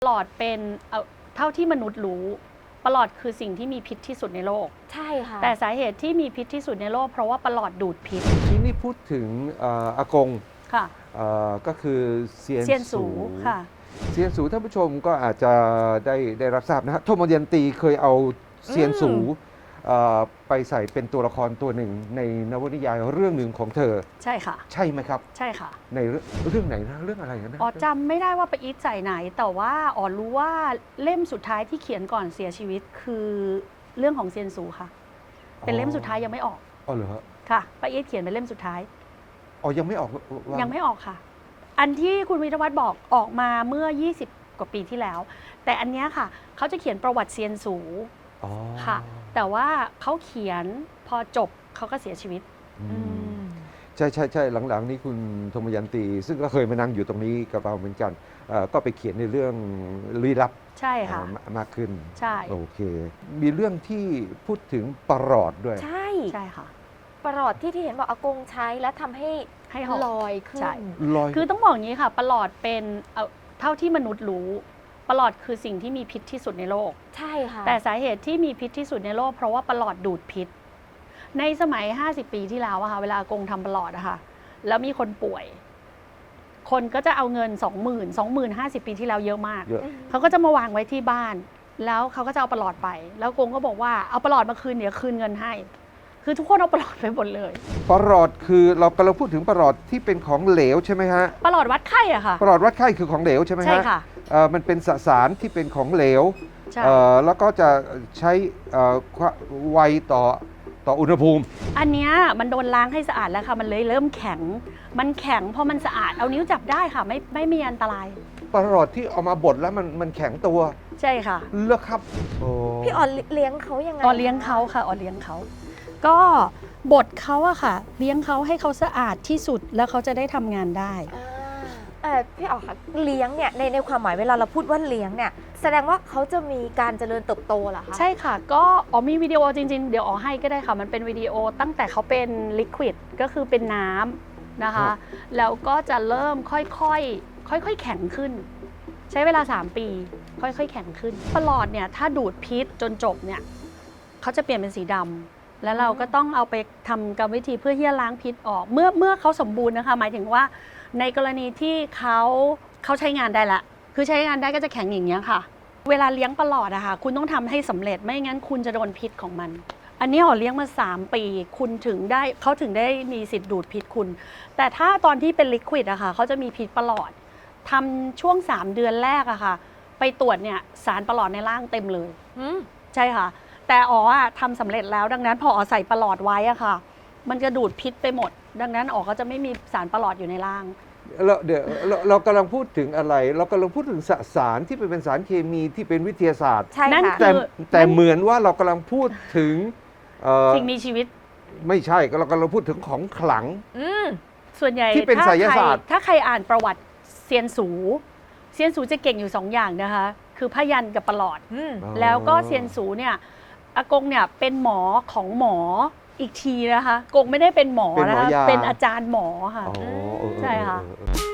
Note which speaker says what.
Speaker 1: ปลอดเป็นเท่าที่มนุษย์รู้ปลอดคือสิ่งที่มีพิษที่สุดในโลก
Speaker 2: ใช่ค่ะ
Speaker 1: แต่สาเหตุที่มีพิษที่สุดในโลกเพราะว่าปลอดดูดพิษ
Speaker 3: ที่นี่พูดถึงอากง
Speaker 1: ค่ะ
Speaker 3: ก็คือเซียน
Speaker 1: เซียนสูค่ะ
Speaker 3: เซียนสูท่านผู้ชมก็อาจจะได้รับทราบนะฮะโทมยันตีเคยเอาเซียนสูไปใส่เป็นตัวละครตัวหนึ่งในนวนิยายเรื่องหนึ่งของเธอ
Speaker 1: ใช่ค่ะ
Speaker 3: ใช่ไหมครับ
Speaker 1: ใช่ค่ะ
Speaker 3: ในเรื่องไหนนะเรื่องอะไรนะ
Speaker 1: อ๋อจำไม่ได้ว่าไปอีทใส่ไหนแต่ว่าอ๋อรู้ว่าเล่มสุดท้ายที่เขียนก่อนเสียชีวิตคือเรื่องของเซียนสูค่ะเป็นเล่มสุดท้ายยังไม่ออก
Speaker 3: อ๋อเหรอ
Speaker 1: ค่ะป้าอีทเขียนเป็นเล่มสุดท้าย
Speaker 3: อ๋อยังไม่ออก
Speaker 1: ยังไม่ออกค่ะอันที่คุณวิทยวัฒน์บอกออกมาเมื่อ20กว่าปีที่แล้วแต่อันนี้ค่ะเขาจะเขียนประวัติเซียนสูค่ะแต่ว่าเขาเขียนพอจบเขาก็เสียชีวิต
Speaker 3: ใช่ใช่ใช่หลังๆนี้คุณธมยันตีซึ่งก็เคยมานั่งอยู่ตรงนี้กับเราเหมือนกันก็ไปเขียนในเรื่องลี้ลับ
Speaker 1: ใช่ค่ะ
Speaker 3: มากขึ้น
Speaker 1: ใช่
Speaker 3: โอเคมีเรื่องที่พูดถึงประหลอดด้วย
Speaker 2: ใช่
Speaker 1: ใช่ค่ะ
Speaker 2: ประหลอดที่เห็นบอกอากงใช้แล้วทำให้ลอยขึ้น
Speaker 1: คือต้องบอกอย่างนี้ค่ะประหลอดเป็นเท่าที่มนุษย์รู้ประหลอดคือสิ่งที่มีพิษที่สุดในโลก
Speaker 2: ใช่ค่ะ
Speaker 1: แต่สาเหตุที่มีพิษที่สุดในโลกเพราะว่าประหลอดดูดพิษในสมัย50 ปีที่แล้วอะค่ะเวลาอากงทำประหลอดอะค่ะแล้วมีคนป่วยคนก็จะเอาเงิน 20,000 50 ปีที่แล้วเยอะมากเขาก็จะมาวางไว้ที่บ้านแล้วเขาก็จะเอาประหลอดไปแล้วอากงก็บอกว่าเอาประหลอดมาคืนเดี๋ยวคืนเงินให้คือทุกคนเอาประหลอดไปหมดเลย
Speaker 3: ประหลอดคือเรากำลังพูดถึงประหลอดที่เป็นของเหลวใช่ไหมฮะ
Speaker 1: ประหลอดวัดไข้อะค่ะ
Speaker 3: ประหลอดวัดไข้คือของเหลวใช่ไหมฮะ
Speaker 1: ใช่ค่ะ
Speaker 3: มันเป็นสารที่เป็นของเหลวแล้วก็จะใช้ไวต่ออุณหภูมิ
Speaker 1: อันนี้มันโดนล้างให้สะอาดแล้วค่ะมันเลยเริ่มแข็งมันแข็งพอมันสะอาดเอานิ้วจับได้ค่ะไม่มีอันตราย
Speaker 3: ประหลอดที่เอามาบดแล้วมันแข็งตัว
Speaker 1: ใช่ค่ะ
Speaker 3: เลือกครับ
Speaker 2: พี่อ๋อเลี้ยงเขายังไง
Speaker 1: อ๋อเลี้ยงเขาค่ะอ๋อเลี้ยงเขาก็บดเขาอะค่ะเลี้ยงเขาให้เขาสะอาดที่สุดแล้วเขาจะได้ทำงานได้
Speaker 2: พี่อ๋อค่ะเลี้ยงเนี่ยในความหมายเวลาเราพูดว่าเลี้ยงเนี่ยแสดงว่าเขาจะมีการเจริญเติบโตเหรอคะ
Speaker 1: ใช่ค่ะก็อ๋อมีวิดีโอจริงๆเดี๋ยวอ๋อให้ก็ได้ค่ะมันเป็นวิดีโอตั้งแต่เขาเป็นลิควิดก็คือเป็นน้ำนะคะแล้วก็จะเริ่มค่อยๆแข็งขึ้นใช้เวลา3 ปีค่อยๆแข็งขึ้นประหลอดเนี่ยถ้าดูดพิษจนจบเนี่ยเขาจะเปลี่ยนเป็นสีดำแล้วเราก็ต้องเอาไปทำกรรมวิธีเพื่อที่จะล้างพิษออกเมื่อเขาสมบูรณ์นะคะหมายถึงว่าในกรณีที่เขาใช้งานได้ละคือใช้งานได้ก็จะแข็งอย่างนี้ค่ะเวลาเลี้ยงประหลอดอะค่ะคุณต้องทำให้สำเร็จไม่งั้นคุณจะโดนพิษของมันอันนี้อ๋อเลี้ยงมา3 ปีเขาถึงได้มีสิทธิ์ดูดพิษคุณแต่ถ้าตอนที่เป็นลิควิดอะค่ะเขาจะมีพิษประหลอดทำช่วง3 เดือนแรกอะค่ะไปตรวจเนี่ยสารประหลอดในร่างเต็มเลยใช่ค่ะแต่อ๋อทำสำเร็จแล้วดังนั้นพออ๋อใส่ประหลอดไว้อะค่ะมันจะดูดพิษไปหมดดังนั้นอ๋อก็จะไม่มีสารประหลอดอยู่ในร่าง
Speaker 3: เดี๋ยวเรากำลังพูดถึงอะไรเรากำลังพูดถึงสารที่เป็นสารเคมีที่เป็นวิทยาศาสตร์
Speaker 1: นั่น
Speaker 3: แต่เหมือนว่าเรากำลังพูดถึง
Speaker 1: สิ่งมีชีวิต
Speaker 3: ไม่ใช่เรากำลังพูดถึงของขลัง
Speaker 1: ส่วนใหญ่
Speaker 3: ที่เป็นไสยศาสตร์
Speaker 1: ถ้าใครอ่านประวัติเซียนสูจะเก่งอยู่2 อย่างนะคะคือพยัญชนะกับประหลอดแล้วก็เซียนสูเนี่ยอากงเนี่ยเป็นหมอของหมออีกทีนะคะกงไม่ได้เป็นหมอนะคะเป็นอาจารย์หมอค่ะใช่ค่ะ